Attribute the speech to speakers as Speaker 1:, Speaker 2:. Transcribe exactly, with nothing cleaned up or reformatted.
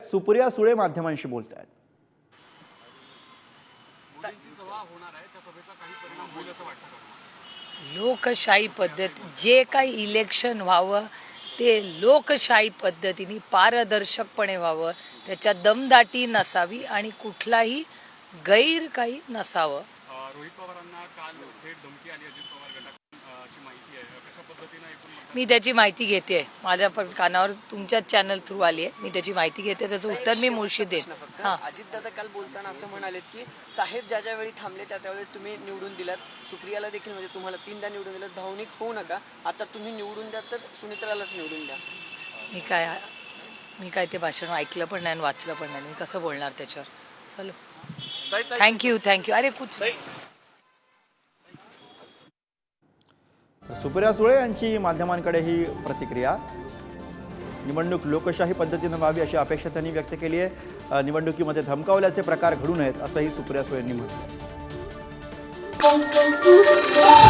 Speaker 1: सुप्रिया सुळे माध्यमांशी बोलत आहेत.
Speaker 2: लोकशाही पद्धत जे काही इलेक्शन व्हावं ते लोकशाही पद्धतीने पारदर्शकपणे व्हावं, त्याच्यात दमदाटी नसावी आणि कुठलाही गैर काही नसावं.
Speaker 3: रोहित पवारांना काल थेट धमकी आली अजित पवार गटाची माहिती आहे, कशा पद्धतीने एकूण
Speaker 2: मी त्याची माहिती घेते, माझ्या पण कानावर तुमच्याच चॅनल थ्रू आली आहे. मी त्याची माहिती घेते, त्याचं उत्तर मी मुळशी देईन. हां,
Speaker 4: अजितदादा काल बोलताना असं म्हणालेत की साहेब ज्या ज्या वेळी थांबले त्या त्यावेळेस तुम्ही निवडून दिलात, सुप्रियाला देखील म्हणजे तुम्हाला तीनदा निवडून दिलं, भावनिक होऊ नका, आता तुम्ही निवडून द्या तर सुनित्रालाच निवडून द्या.
Speaker 2: मी काय मी काय ते भाषण ऐकलं पण नाही आणि वाचलं पण नाही, मी कसं बोलणार त्याच्यावर. चलो, थँक्यू थँक्यू. अरे कुछ
Speaker 1: सुप्रिया सुळे यांची माध्यमांकडे ही प्रतिक्रिया. निवडणूक लोकशाही पद्धतीने व्हावी अशी अपेक्षा त्यांनी व्यक्त केली आहे. निवडणुकीमध्ये धमकावल्याचे प्रकार घडू नयेत असंही सुप्रिया सुळेंनी म्हटलं.